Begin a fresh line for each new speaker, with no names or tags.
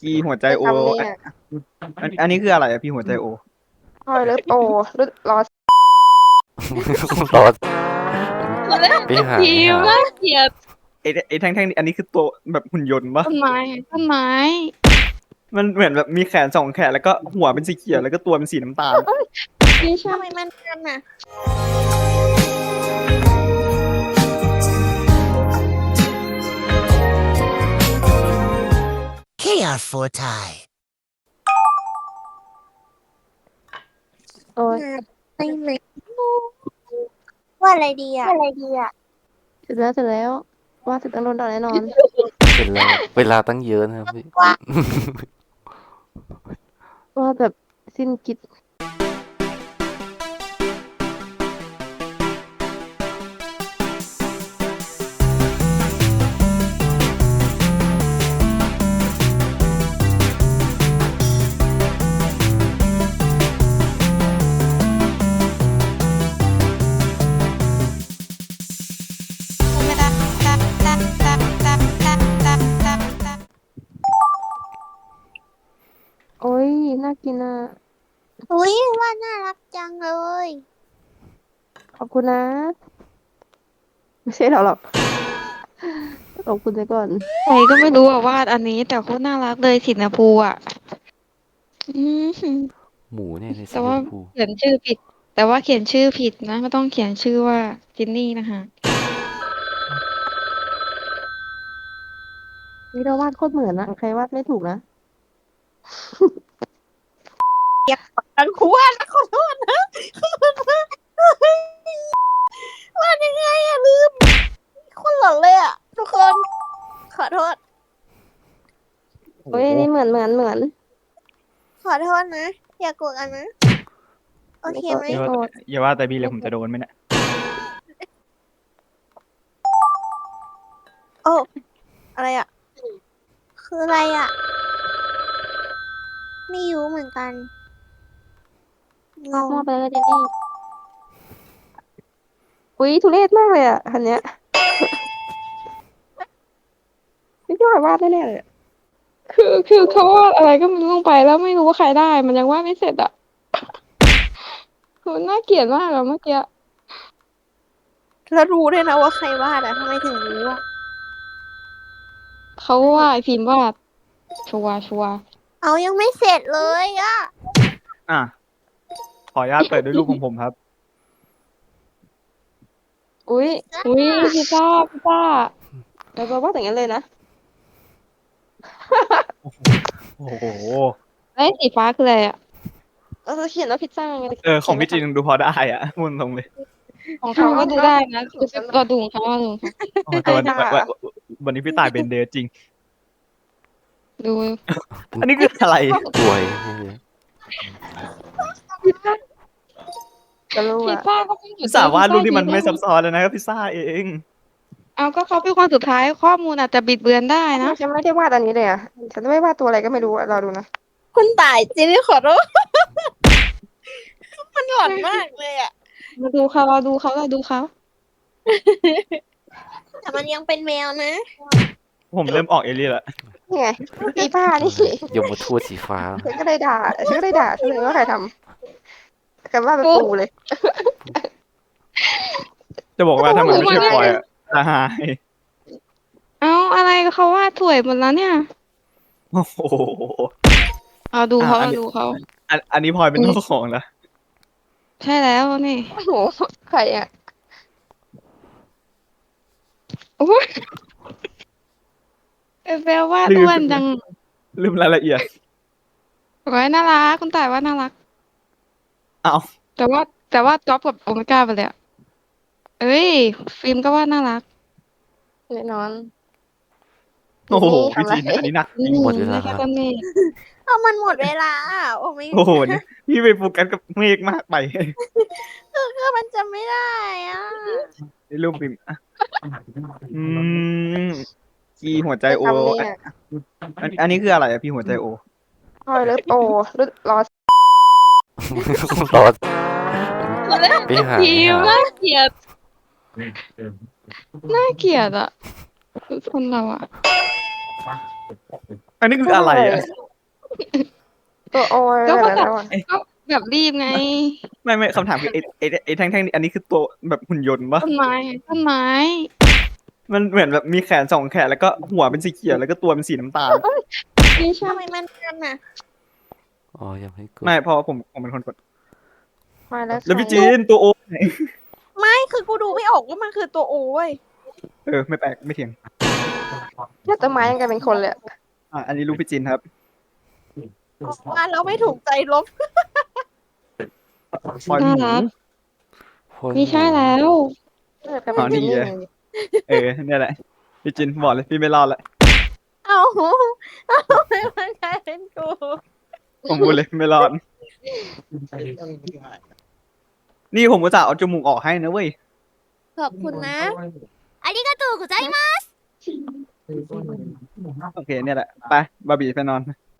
พี่หัวใจ
ไอ้
โอ
คำนี้
อัน
อ่ะ
อันนี้คืออะไรอะพี่หัวใจโอ
พอยเลิฟโอรุดรอ
รอไปหา
ที
ไปหา
มน่าเกลียด
ไอ้แท่งๆนี่อันนี้คือตัวแบบหุ่นยนต์ปะ
ต้นไม้
มันเหมือนแบบมีแขนสองแขนแล้วก็หัวเป็นสีเขียวแล้วก็ตัวเป็นสีน้ำตาล
ไม่ใช่
ทำไมมันกันอ่ะ
Chaos for Thai
โอ้ย
ไม่เลยว่าอะไรดีอ่ะ
เสร็จแล้วว่าเสร็จต้องโดนด่าแน่นอน
เสร็จแล้วเวลาตั้งเยอะนะครับพี่
ว่าแบบสิ้นคิดโอ้ยน่ากินอ่ะ
อุ้ยว่าน่ารักจังเลย
ขอบคุณนะ ไม่ใช่เราหรอกขอบคุณไปก่อน
ใครก็ไม่รู้อะวาดอันนี้แต่โคตรน่ารักเลยสีชมพูอะอืม
หมูเนี่ยในสี
แต่
ช
ว่าม
พู
เขียนชื่อผิด แต่ว่าเขียนชื่อผิดนะไม่ต้องเขียนชื่อว่าจินนี่นะคะ
นี่เราวาดโคตรเหมือนนะใครวาดไม่ถูกนะ
ทั้งคู่ว่านะขอโทษนะว่ายังไงอะลืมคนหลอนเลยอะทุกคน ขอโทษ
โอ้
เฮ้ย
โห
นี่เหมือน
ขอโทษนะ อย่าโกรธกันนะ โอเคไหม
อย่าว่าอย่าว่าแต่พี่เลยผมจะโดนไหมเนี่ย
โอ้อะไรอะคืออะไรอะไม่รู้เหมือนกันงง
มั่วไปเลยเจนนี่อุ้ยทุเรศมากเลยอ่ะคันเนี้ยนี่พี่หอยวาดแน่ๆเลยอะ
คือเขาวาดอะไรก็ไม่รู้ลงไปแล้วไม่รู้ว่าใครได้ มันยังวาดไม่เสร็จอะคือน่าเกลียดมากอะเมื่อกี้
แล้วรู้ด้วยนะว่าใครวาดอะทำไมถึงรู้อะ
เขาว่าไอพิมพ์วาดชัวร์
เอายังไม่เสร็จเลยอะ
อ่ะขออนุญาตเปิดด้วยรูปของผมครับ
อุ้ย
อุ้ยพิซซ่า
เราวาดอย่างนั้นเลยนะ
โอ้โห
ไอ้ยสีฟ้าคืออะไรอะ
เราจะเขียนว่าพิซซ่าไง
ของพี่จีนดูพอได้อ่ะพูดตรงเลย
ของเขาก็ดูได้นะเราดูของเขาเราดูของเขา
โอ้แต่วันนี้พี่ตายเป็นเดย์จริง
ดู
อันนี้คืออะไร
ป่วย
จะรู้
พิซ
อ่ะ
ซ่าก็เป็น
พิซซ่าวาดรูปที่มันไม่ซับซ้อนเลยนะครับพิซซ่าเอง
เอาก็เขาเป็นคนสุดท้ายข้อมูลอาจจะบิดเบือนได้นะ
ฉันไม่ได้วาดอันนี้เลยอ่ะฉันไม่วาดตัวอะไรก็ไม่รู้อะรอดูนะ
คุณตายจริงๆขอโทษ มันหลอนมากเลยอะ
เราดูเขา
แต่มันยังเป็นแมวนะ
ผมเริ่มออกเอเลี่ยนละ
นี่ไงอีป้านี่
ยมทูตสีฟ้า
ฉันก็เลยด่าฉันเลยว่าใครทำแต่ว่าเป็นปูเลย
จะบอกว่าถ้ามันไม่ใช่ปอยอะจะหาย
เอาอะไรเขาวาดสวยหมดแล้วเนี่ย
โอ้โห
เอาดูเขา
อัน
เรา
นี้
ดูเขา
อันนี้พลอยเป็นเจ้าของนะ
ใช่แล้วนี่
โอ้โหใครอ่ะ
โอ้ยเบลวาดอ้วนจัง
ลืมรายละเอียด
ไว้น่ารักคุณต่ายว่าน่ารัก
เอา
แต่ว่าจ๊อบกับโอเมก้าไปเลยอะเอ้ย ฟิล์มก็ว่าน่ารัก
แน่นอน
โอ้โห
นี่
พี่
ทำอะไร
จีนอันนี้หนักจริง
หมดเวลา
ไม่ใช่ต้นนี่
เอามันหมดเวลาอะโอ้ไม่
โอ้โหเนี่ยพี่ไปโฟกัสกับเมฆมากไป
คือมันจะไม่ได้อ่ะ
ในรูปพิมพ์อ่ะพี่หัวใจโอ
คำนี้อ่ะ
อันนี้คืออะไรอะพี่หัวใจโอ
พอยเลิฟโอรุดรอ
รอไปหา
ทีมน่าเกลียดน่าเกลียดอะคือคนเราอะ
อันนี้คืออะไรอ่ะ
ตัวโอย
ก็
อะไร
แบบ
แล้วอะ
ก็แบบรีบไง
ไม่คำถามคือไอ้แท่งนี่อันนี้คือตัวแบบหุ่นยนต์ปะ
ต้นไม้ต้นไม้
มันเหมือนแบบมีแขนสองแขนแล้วก็หัวเป็นสีเขียวแล้วก็ตัวเป็นสีน้ำตาล
ไม่ใช่
ทำไมมันกันน่ะ
อ๋อยังไม่กด
ไม่เพอผมเป็นคนกด
มาแล้ว
แล้วพี่
ใคร
จีนตัวโอไหน
ไม่คือกูดูไม่ออกว่ามันคือตัวโอเว้ย
ไม่แปลกไม่เถียง
แค่ต้นไม้ยังกันเป็นคนเลยอะ
อันนี้รูปพี่จีนครับ
ว่าเราไม่ถูกใจลบ
ปล่อยห
น่า
มู
รัก
โคตร
ไม่ใช่แล้ว
ก็เป็น
นี่
จินนี่
ไง เนี่ยแหละพี่จินบอกเลยพี่ไม่รอดละ
เอาไม่มันกลายเป็นกู
ผมพูดเลยไม่รอด นี่ผมก็จะเอาจมูกออกให้นะเว้ย
ขอบคุณนะありがとうございます
โอเคเนี่ยแหละไปบาร์บี้ไปนอน